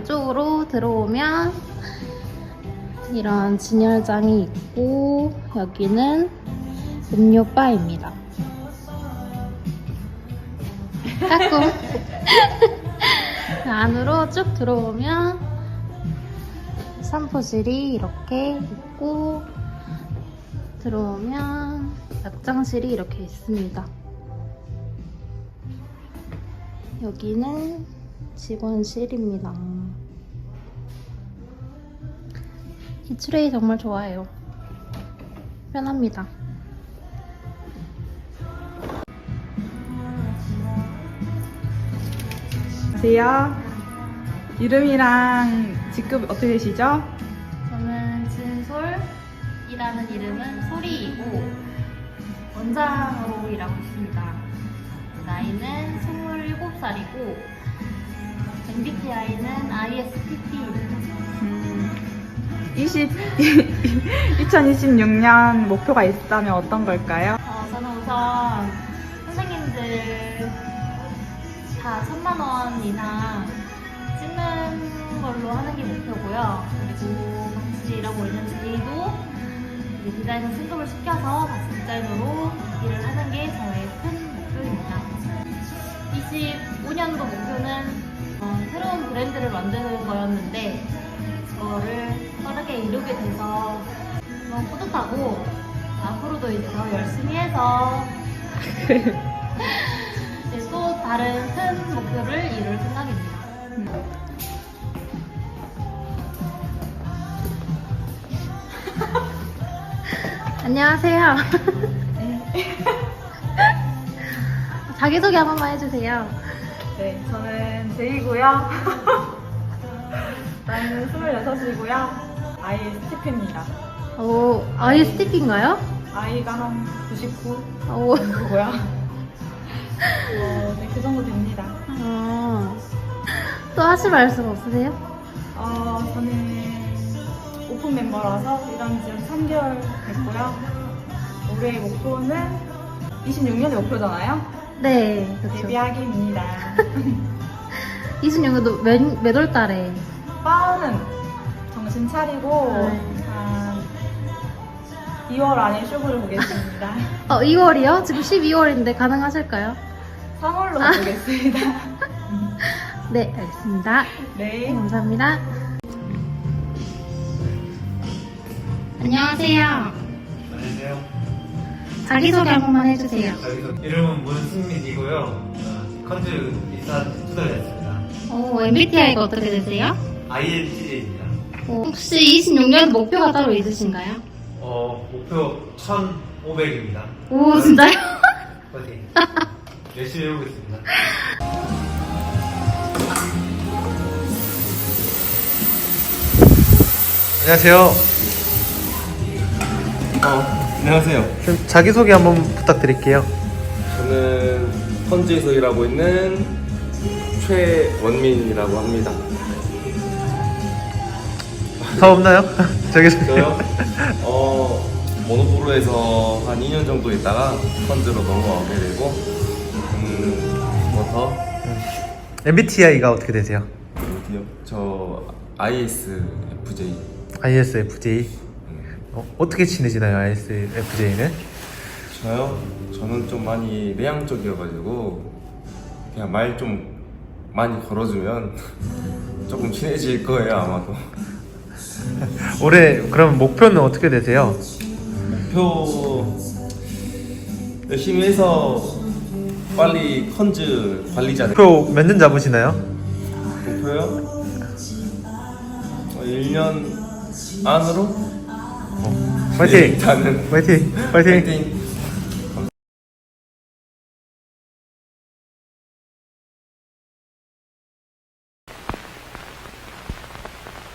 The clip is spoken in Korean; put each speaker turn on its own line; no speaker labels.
안쪽으로 들어오면 이런 진열장이 있고 여기는 음료바입니다. 까꿍. 안으로 쭉 들어오면 산포실이 이렇게 있고 들어오면 약장실이 이렇게 있습니다. 여기는 직원실입니다. 이 트레이 정말 좋아해요. 편합니다.
안녕하세요. 이름이랑 직급 어떻게 되시죠?
저는 진솔이라는 이름은 소리이고 원장으로 일하고 있습니다. 나이는 27살이고 MBTI는 ISTP입니다.
2026년 목표가 있다면 어떤 걸까요?
저는 우선 선생님들 다 1000만 원 이상 찍는 걸로 하는 게 목표고요. 그리고 같이 일하고 있는 제이도 디자이너 승급을 시켜서 같이 디자이너로 일을 하는 게 저의 큰 목표입니다. 25년도 목표는 새로운 브랜드를 만드는 거였는데 그거를 빠르게 이루게 돼서 너무 뿌듯하고 앞으로도 이제 더 열심히 해서 이제 또 다른 큰 목표를 이룰 생각입니다. 안녕하세요. 자기소개 한 번만 해주세요.
네, 저는 제이고요. 나이는 26이고요. ISTP입니다.
오, ISTP인가요?
아이가 한 99
오.
정도고요. 네, 그 정도 됩니다.
또 하실 말씀 없으세요?
저는 오픈 멤버라서 일한 지 3개월 됐고요. 올해의 목표는 26년의 목표잖아요.
네, 그렇죠.
데뷔하기입니다.
26년도 몇 월 달에?
빠는 정신 차리고
네.
한 2월 안에 쇼부를 보겠습니다.
2월이요? 지금 12월인데 가능하실까요?
3월로 보겠습니다.
네, 알겠습니다.
네.
감사합니다. 안녕하세요.
안녕하세요.
자기소개 한 번만 해주세요.
이름은 문승민이고요. 컨즈 입사 2달 됐습니다.
MBTI가 어떻게 되세요?
INTJ입니다.
혹시 26년 목표가 따로 있으신가요?
목표 1,500입니다.
오, 진짜요?
파이팅. 열심히 해보겠습니다.
안녕하세요.
안녕하세요.
좀 자기소개 한번 부탁드릴게요.
저는 펀즈에서 일하고 있는 최원민이라고 합니다.
사업 없나요? 자기소개.
저요? 모노포로에서 한 2년 정도 있다가 펀즈로 넘어가게 되고, 뭐 더?
MBTI가 어떻게 되세요?
어디요? 저 ISFJ.
ISFJ. 어떻게 지내시나요, ISFJ는?
저요? 저는 좀 많이 내향적이어가지고 그냥 말 좀 많이 걸어주면 조금 친해질 거예요, 아마도.
올해 그럼 목표는 어떻게 되세요?
목표 열심히 해서 빨리 컨즈 관리자
목표 몇 년 잡으시나요?
목표요? 1년 안으로?
파이팅!
일단은
파이팅! 파이팅!
파이팅!